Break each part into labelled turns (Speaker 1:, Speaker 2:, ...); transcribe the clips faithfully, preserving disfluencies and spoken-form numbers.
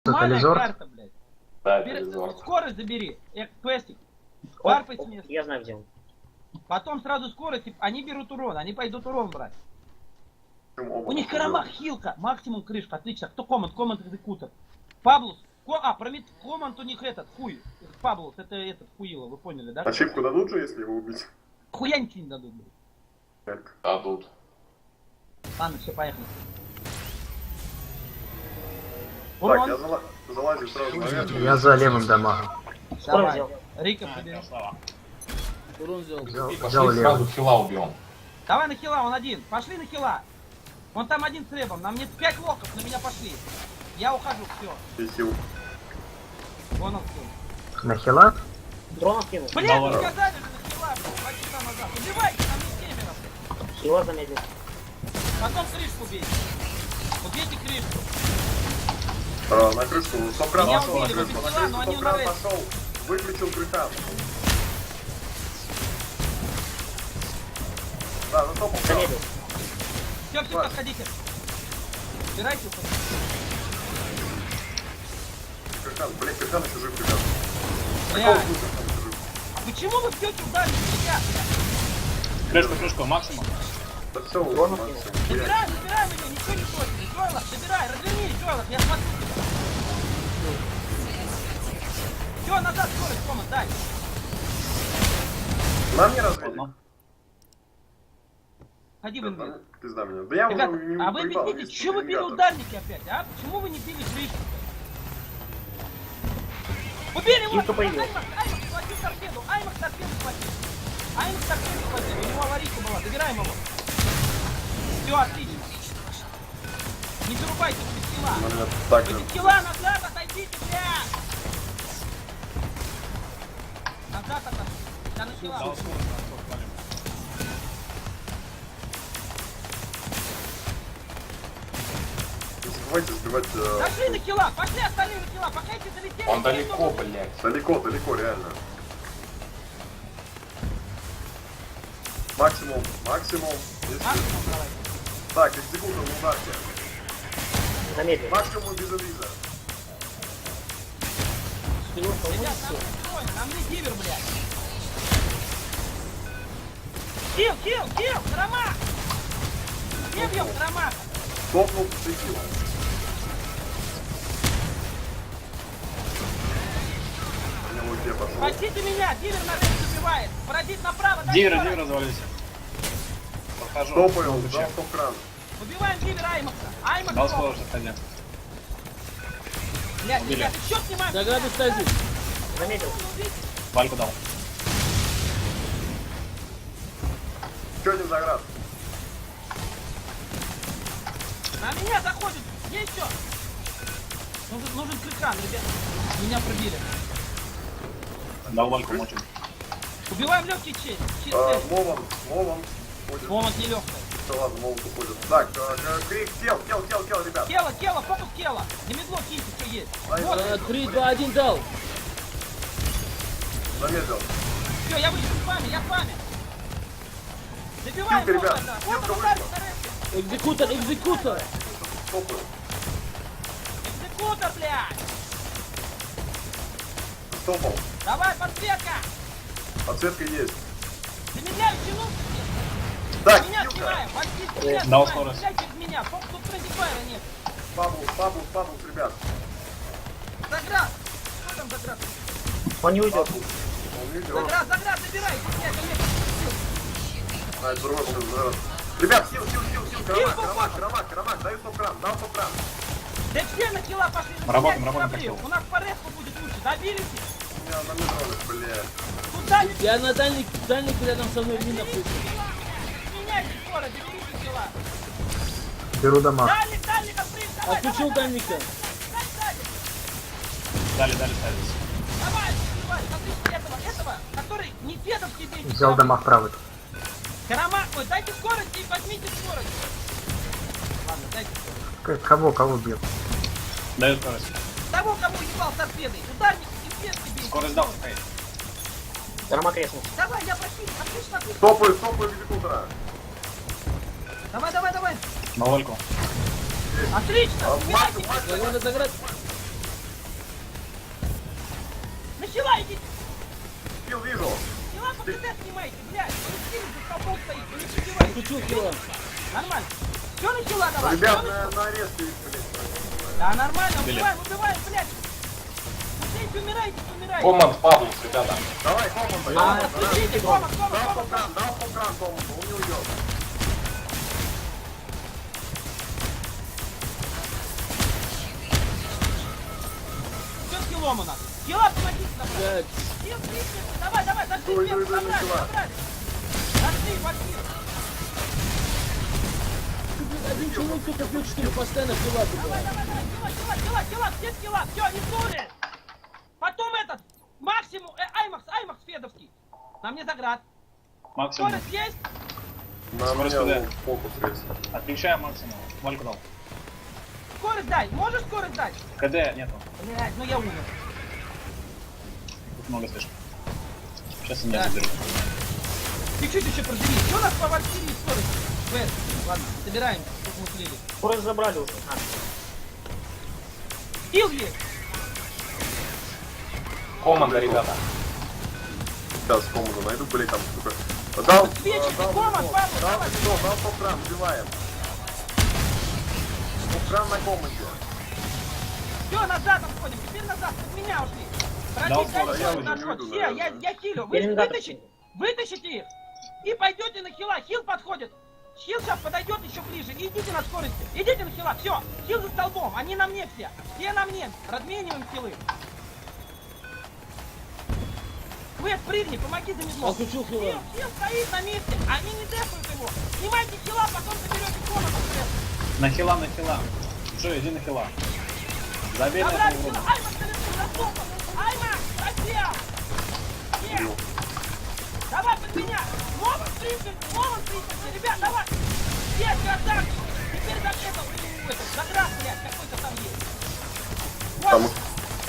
Speaker 1: Тотализор?
Speaker 2: Карта, блядь.
Speaker 3: Да,
Speaker 2: Бери,
Speaker 3: тотализор.
Speaker 2: скорость забери. Э, квестик. Карпай с места.
Speaker 4: Я знаю, где он.
Speaker 2: Потом сразу скорость. и Они берут урон. Они пойдут урон брать. У них
Speaker 3: карама.
Speaker 2: карамах, хилка. Максимум крышка. Отлично. Кто команд? Команд экзекутор. Паблус. Ко... А, промет... команд у них этот. Хуй. Паблус. Это этот хуило. Вы поняли, да?
Speaker 5: Ачивку дадут же, если его убить?
Speaker 2: Хуя ничего не дадут, блядь.
Speaker 5: Так.
Speaker 3: А тут.
Speaker 2: Ладно, все, поехали.
Speaker 5: Так,
Speaker 2: Урон.
Speaker 5: я зала... залазил сразу наверх.
Speaker 1: Я за левым дамагом.
Speaker 2: Давай.
Speaker 4: взял.
Speaker 2: Рика побери.
Speaker 6: Урон взял.
Speaker 1: Взял,
Speaker 3: И
Speaker 1: взял
Speaker 3: пошли сразу
Speaker 1: левым.
Speaker 3: хила убьем.
Speaker 2: Давай на хила, он один. Пошли на хила. Он там один с ребом. Нам нет пять локов, на меня пошли. Я ухожу, все.
Speaker 5: И хил.
Speaker 2: Вон он все.
Speaker 1: На хила?
Speaker 4: Дрона кинул.
Speaker 2: Блин,
Speaker 6: Давай.
Speaker 2: вы сказали же на хила, блин, два часа назад. Убивайте, там не семеро, блин.
Speaker 4: Хила заметил.
Speaker 2: Потом крышку бейте. Убейте крышку.
Speaker 5: А, на крышку. Стоп-кран
Speaker 2: Меня
Speaker 5: пошел на
Speaker 2: убили,
Speaker 5: крышку.
Speaker 2: вы
Speaker 5: На
Speaker 2: взяла,
Speaker 5: крышку
Speaker 2: но они
Speaker 5: стоп-кран
Speaker 2: умирают.
Speaker 5: пошел. Выключил крышан. Да, ну стоп,
Speaker 4: Заметил.
Speaker 2: Все, все, подходите. Убирайте.
Speaker 5: крышан. Блин, крышан еще жив, ребят.
Speaker 2: Блядь.
Speaker 5: Какого хуя крышан еще жив?
Speaker 2: А почему вы пьете ударить меня, блядь?
Speaker 6: Крышку, крышку, максимум.
Speaker 5: Да все,
Speaker 4: Дрона
Speaker 5: Максим.
Speaker 4: кинул.
Speaker 2: Забирай, забирай меня, ничего не точно. Жойлов, забирай, развернись, Жойлов, я смотрю тебя. Все, назад скорость, команд, дай.
Speaker 5: Нам не развели.
Speaker 6: Ладно.
Speaker 2: Ходи в инвиз.
Speaker 5: Пизда меня. Да я уже
Speaker 2: Ребята,
Speaker 5: не
Speaker 2: а вы
Speaker 5: поебал,
Speaker 2: объясните,
Speaker 5: есть
Speaker 2: чего вы били
Speaker 5: ребята.
Speaker 2: ударники опять, а? Почему вы не били крышку? Убили его!
Speaker 4: Хилка появилась.
Speaker 2: Аймакс, Аймакс, схватил торпеду! Аймакс торпеду схватил! Аймакс торпеду схватил, у него аварийка была, забираем его! Все, отлично! Не зарубайте, вы без килла!
Speaker 5: Ну, меня так
Speaker 2: Вы
Speaker 5: же.
Speaker 2: без килла, назад отойдите, блядь! Назад отойдите! Я на килла!
Speaker 6: Дал скорость, на скорость валим.
Speaker 5: Не забывайте сбивать... э,
Speaker 2: Дошли на килла! Пошли остальные на килла! Пока эти залетели...
Speaker 3: Он
Speaker 2: никто
Speaker 3: далеко,
Speaker 2: не-
Speaker 3: блядь.
Speaker 5: Далеко, далеко, реально. Максимум, максимум. Если-
Speaker 2: Максимум давай.
Speaker 5: Так, экзекутор в ударке.
Speaker 4: Заметил.
Speaker 5: Максимум без инвиза.
Speaker 6: Хилом
Speaker 2: Ребят,
Speaker 6: поможет
Speaker 2: нам
Speaker 6: все.
Speaker 2: не тролль, нам не дивер, блядь! Килл, килл, килл! Карамах! Не бьем Карамаха!
Speaker 5: Топнул прикил. У него где пошел?
Speaker 2: Спасите меня! Дивер на рейс убивает! Паразит направо! дай
Speaker 6: Дивер,
Speaker 2: скорость.
Speaker 6: дивер развалился. Подхожу.
Speaker 5: Топаю,
Speaker 6: Ключи.
Speaker 5: дал стоп-кран.
Speaker 2: Убиваем Дивера Аймакса! Аймакс!
Speaker 6: Дал
Speaker 2: лох.
Speaker 6: скорость, отходи.
Speaker 2: Блядь,
Speaker 6: Убили.
Speaker 2: ребят, еще снимаем!
Speaker 6: Заграды стоит.
Speaker 4: Заметил.
Speaker 6: Вальку дал.
Speaker 5: Че не заград?
Speaker 2: На меня заходит! Есть что? Нужен, нужен крыкран, ребят! Меня пробили!
Speaker 6: Дал вальку мочим.
Speaker 2: Убиваем легкий честь! Честь
Speaker 5: А,
Speaker 2: честь!
Speaker 5: Мован, Мован. Ходит.
Speaker 2: Момент нелегкий!
Speaker 5: Все, ладно, Мован уходит. Так, э, э, крик, кел, кел, кел, кел, ребят.
Speaker 2: Тело, тело, фокус тело! На медло киньте, что есть!
Speaker 5: Ай,
Speaker 2: Вот,
Speaker 5: заметил,
Speaker 6: Три, два, один дал.
Speaker 5: заметил.
Speaker 2: все, я вышел с вами, я с вами! Забиваем
Speaker 5: Хилка,
Speaker 2: его,
Speaker 5: ребят,
Speaker 2: это!
Speaker 5: хилка
Speaker 2: Вот он
Speaker 5: вышла.
Speaker 2: ударит на рейсе!
Speaker 6: Экзекутор, экзекутор.
Speaker 5: Топаю.
Speaker 2: Экзекутор, блядь!
Speaker 5: Стопал.
Speaker 2: Давай, подсветка!
Speaker 5: Подсветка есть.
Speaker 2: Замедляющий лук!
Speaker 5: Так,
Speaker 2: Меня
Speaker 5: хилка.
Speaker 2: снимаем! Возьмите меня,
Speaker 6: Дал
Speaker 2: снимаем!
Speaker 6: скорость.
Speaker 2: Стреляйте в меня! Фокус тут френдифайра нет!
Speaker 5: Пабус, пабус, пабус, ребят.
Speaker 2: Заград! Что там Заград?
Speaker 4: Он не уйдет.
Speaker 5: Пабус. Он не идет.
Speaker 2: Заград, Заград, забирай! Нет, нет,
Speaker 5: А, это другой будет заград. Ребят, хил, хил, хил, хил. Карамак,
Speaker 2: Хил,
Speaker 5: карамак, карамак, карамак. Даю стоп-кран, дал стоп-кран.
Speaker 2: да все на килла пошли!
Speaker 6: Работаем,
Speaker 2: Меняйте
Speaker 6: работаем,
Speaker 2: корабли.
Speaker 6: пошел.
Speaker 2: У нас по реску будет лучше! Добились?
Speaker 5: У меня на мидроне, блядь.
Speaker 2: Куда не
Speaker 6: Я на дальник, дальник рядом со мной мина включил.
Speaker 2: меняйте скорость, заберите килла!
Speaker 1: Беру дамаг.
Speaker 2: Дальник, дальник, открыть! Давай,
Speaker 6: Отключил
Speaker 2: давай,
Speaker 6: дальника.
Speaker 2: давай, давай,
Speaker 6: Дали, дали, ставить.
Speaker 2: давай, давай, смотрите этого, этого, который не дедовский бейте!
Speaker 1: Взял дамаг правый.
Speaker 2: Карамак, ой, дайте скорость и возьмите скорость! Ладно, дайте скорость.
Speaker 1: К- Кого, кого бьет?
Speaker 6: Даю скорость.
Speaker 2: Того, кого ебал торпедой, ударник и петки бейте!
Speaker 6: Скорость дал, стоит.
Speaker 4: Драма креснул.
Speaker 2: Давай, я просил, отлично, отлично!
Speaker 5: Стопаю, стопаю экзекутора.
Speaker 2: Давай, давай, давай!
Speaker 6: На вальку.
Speaker 2: Отлично!
Speaker 5: А,
Speaker 2: Убирайте!
Speaker 5: максимум, максимум.
Speaker 6: Заграда, заграда.
Speaker 2: идите.
Speaker 5: Скилл вижу.
Speaker 2: Дела по КТ снимайте, блядь. Вы сильно за столбом стоите, вы не перебивайте.
Speaker 6: Включил хила.
Speaker 2: Нормально. Все на хила давай.
Speaker 5: Ребят,
Speaker 2: всё на-
Speaker 5: на, на аресте их, блядь.
Speaker 2: Да, нормально,
Speaker 6: Блин.
Speaker 2: убиваем, убиваем, блядь. Умирайте, умирайте, умирайте.
Speaker 3: Команд Павлус, ребята.
Speaker 5: Давай, команда.
Speaker 2: А,
Speaker 5: команда,
Speaker 2: слушайте,
Speaker 5: да.
Speaker 2: команд, команд,
Speaker 5: Дал
Speaker 2: команд,
Speaker 5: покран, дал покран команду, он не уйдет.
Speaker 2: Все с хилом у нас. Хила, помогите нам.
Speaker 6: Блядь.
Speaker 2: Хил, крикните, давай, давай, дошли
Speaker 5: Ой,
Speaker 2: вверх,
Speaker 5: ой, ой,
Speaker 2: забрали,
Speaker 5: хила.
Speaker 2: забрали. Дошли, пошли.
Speaker 6: Ты, блядь, один человек только бьет, что ли, постоянно хила туда.
Speaker 2: Давай, давай, давай, хила, хила, хила, хила, все с хила, все, не дури. Потом этот, максимум, э, Аймакс, Аймакс Федовский. На мне заград.
Speaker 6: Максимум.
Speaker 2: Скорость есть?
Speaker 5: На
Speaker 6: Скорость
Speaker 5: меня
Speaker 6: куда?
Speaker 5: фокус есть.
Speaker 6: Отключаем максимум. Вальку дал.
Speaker 2: Скорость дай, можешь скорость дать?
Speaker 6: КД нету.
Speaker 2: Блядь, ну я умер.
Speaker 6: Тут много слишком. Сейчас я
Speaker 2: Да.
Speaker 6: заберу.
Speaker 2: Чуть-чуть еще проживи. Что у нас по Валькирии скорость? Вэс, ладно, собираем, чтобы мы слили.
Speaker 4: Скорость забрали уже. А,
Speaker 2: Хил есть.
Speaker 3: Команда, ребята.
Speaker 5: Сейчас команду найду, блядь, там, сука. Дал,
Speaker 2: Свечи,
Speaker 5: э, дал,
Speaker 2: команд,
Speaker 5: дал,
Speaker 2: Павел,
Speaker 5: дал,
Speaker 2: давай.
Speaker 5: дал, дал покран, убиваем. Покран на команде.
Speaker 2: Все, назад отходим, теперь назад, от меня ушли.
Speaker 6: Дал
Speaker 2: Пройдите
Speaker 6: скорость,
Speaker 2: дальше,
Speaker 5: я
Speaker 2: вот
Speaker 5: уже
Speaker 2: наш
Speaker 5: не
Speaker 2: ход.
Speaker 5: выйду,
Speaker 2: Все, я,
Speaker 5: наверное.
Speaker 2: я хилю. Вы
Speaker 4: Пеленгатор.
Speaker 2: вытащите, вытащите их. И пойдете на хила. Хил подходит. Хил сейчас подойдет еще ближе. И идите на скорости. Идите на хила. Все. Хил за столбом. Они на мне все. Все на мне. Размениваем хилы. Квест, прыгни, помоги за медлом.
Speaker 6: Отключил хила.
Speaker 2: Хил, хил стоит на месте. Они не дефают его. Снимайте хила, потом заберете комнату.
Speaker 6: На хила, на хила. Джо, иди на хила. Забей на
Speaker 2: Забрали
Speaker 6: этого
Speaker 2: хила.
Speaker 6: урода.
Speaker 2: Айма, стрелку, раскопан. Айма, просел. Нет. Давай под меня! Момент тридцать! Момент тридцать! Ребят, давай! Есть, красавчик! Теперь за это, у, это, заград, блядь, какой-то там есть.
Speaker 5: Там-
Speaker 2: Вот!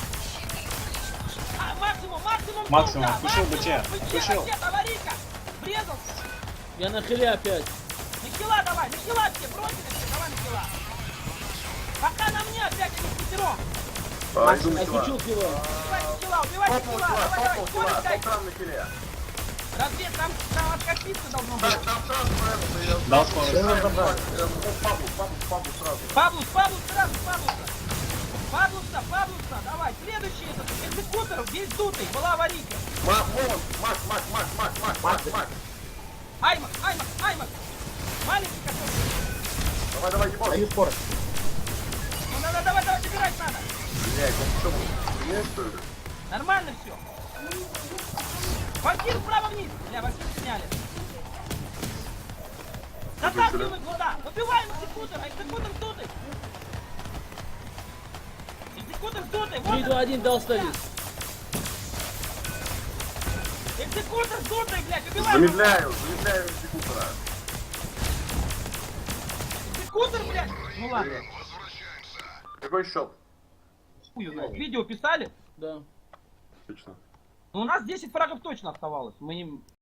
Speaker 2: А, максимум, максимум!
Speaker 6: Максимум,
Speaker 2: сумка,
Speaker 6: включил
Speaker 2: максимум,
Speaker 6: БЧ,
Speaker 2: БЧ,
Speaker 6: включил.
Speaker 2: БЧ, аварийка! Врезался!
Speaker 6: Я на хиле опять.
Speaker 2: На хила давай, на хила все, бросили все, давай на хила! Пока на мне опять они пятером!
Speaker 5: А, иду на хила.
Speaker 6: Отключил хила.
Speaker 2: Убивайте хила, убивайте
Speaker 5: Топнул
Speaker 2: хила!
Speaker 5: хила,
Speaker 2: Давай, давай,
Speaker 5: топнул
Speaker 2: скорость
Speaker 5: хила,
Speaker 2: дайте!
Speaker 5: покран на хиле.
Speaker 2: Развед, там, там откатиться должно быть!
Speaker 5: Так, там сразу, наверное, я...
Speaker 6: Дал скорость.
Speaker 5: Э, Павлу, Павлу, Павлу сразу.
Speaker 2: Павлус, Павлус, сразу, Павлуса! Павлуса, Павлуса, давай, следующий этот, экзекутор, весь дутый, была аварийка.
Speaker 5: Мак, Момент, Мак, Мак, Мак, Мак, Мак, Мак, Мак.
Speaker 2: Аймак, Аймак, Аймак. Маленький какой-то.
Speaker 5: Давай, давай, ебать.
Speaker 4: даю скорость.
Speaker 2: Ну надо, давай, давай, собирать надо.
Speaker 5: Блядь, он что, блядь, что ли?
Speaker 2: Нормально все. Вампир вправо вниз. Бля, вампир сняли. Затаскивай туда. Убиваем экзекутора, экзекутор дутый. Экзекутор дутый, вот
Speaker 6: три,
Speaker 2: он.
Speaker 6: два, один, дал ставить.
Speaker 2: Экзекутор дутый, блядь, убиваем. его.
Speaker 5: Замедляю, замедляю экзекутора.
Speaker 2: Экзекутор, блядь. Ну ладно.
Speaker 5: Какой счет?
Speaker 2: Хуй его знает. Видео писали?
Speaker 6: Да.
Speaker 5: Отлично.
Speaker 2: Ну, у нас десять фрагов точно оставалось. Мы не...